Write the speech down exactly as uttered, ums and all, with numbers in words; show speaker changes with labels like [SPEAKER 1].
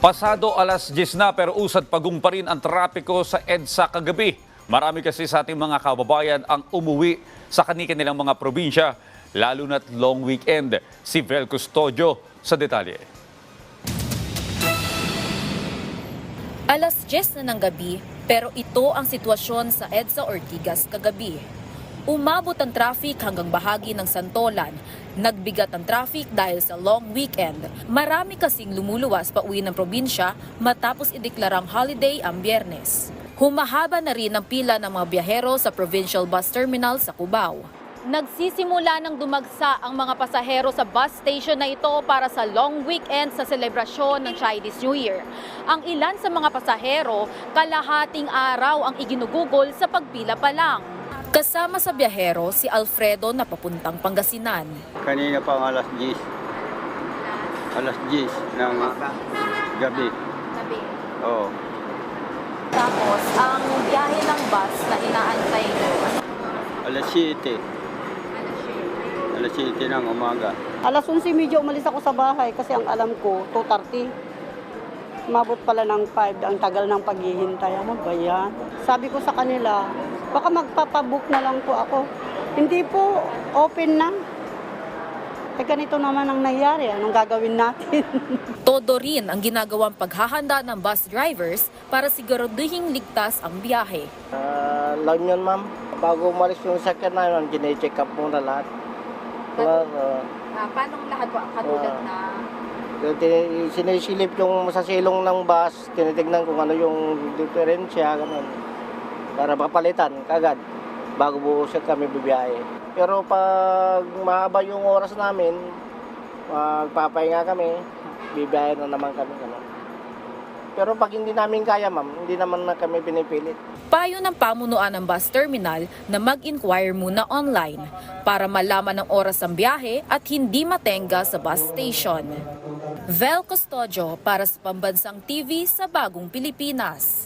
[SPEAKER 1] Pasado alas diyes na pero usad pagong pa rin ang trapiko sa EDSA kagabi. Marami kasi sa ating mga kababayan ang umuwi sa kanilang mga probinsya, lalo na't long weekend. Si Vel Custodio sa detalye.
[SPEAKER 2] Alas diyes na ng gabi, pero ito ang sitwasyon sa EDSA Ortigas kagabi. Umabot ang traffic hanggang bahagi ng Santolan. Nagbigat ang traffic dahil sa long weekend. Marami kasing lumuluwas pa uwi ng probinsya matapos ideklarang holiday ang Biyernes. Humahaba na rin ang pila ng mga biyahero sa Provincial Bus Terminal sa Cubao. Nagsisimula ng dumagsa ang mga pasahero sa bus station na ito para sa long weekend sa selebrasyon ng Chinese New Year. Ang ilan sa mga pasahero, kalahating araw ang iginugugol sa pagpila pa lang. Kasama sa biyahero si Alfredo na papuntang Pangasinan.
[SPEAKER 3] Kanina pa ang alas diyes. Alas diyes ng gabi.
[SPEAKER 2] Gabi.
[SPEAKER 3] Oo.
[SPEAKER 2] Tapos, ang biyahe ng bus na inaantay nyo,
[SPEAKER 3] Alas siyete. Alas siyete ng umaga.
[SPEAKER 4] Alas onse medyo umalis ako sa bahay kasi ang alam ko, two thirty. Mabot pala ng five, ang tagal ng paghihintay. Ano ba yan? Sabi ko sa kanila, baka magpapabook na lang po ako. Hindi po, open na. Eh ganito naman ang nangyari, anong gagawin natin?
[SPEAKER 2] todo rin ang ginagawang paghahanda ng bus drivers para siguraduhing ligtas ang biyahe.
[SPEAKER 5] Uh, lang yun, ma'am. Bago umalis yung sakyan na yun, gine-check up muna lahat. Well, uh,
[SPEAKER 2] Uh, paano lahat po katulad
[SPEAKER 5] Ah.
[SPEAKER 2] na
[SPEAKER 5] tin- sinisilip yung sa silong ng bus, tinitignan kung ano yung diferensya, ganun. Para mapalitan kagad bago buo siya kami bibiyahe. Pero pag mahaba yung oras namin, magpapahinga kami, bibiyahe na naman kami. Ganun. Pero pag hindi namin kaya, ma'am, hindi naman na kami pinipilit.
[SPEAKER 2] Payo ng pamunuan ng bus terminal na mag-inquire muna online para malaman ang oras ng biyahe at hindi matenga sa bus station. Vel Custodio para sa Pambansang T V sa Bagong Pilipinas.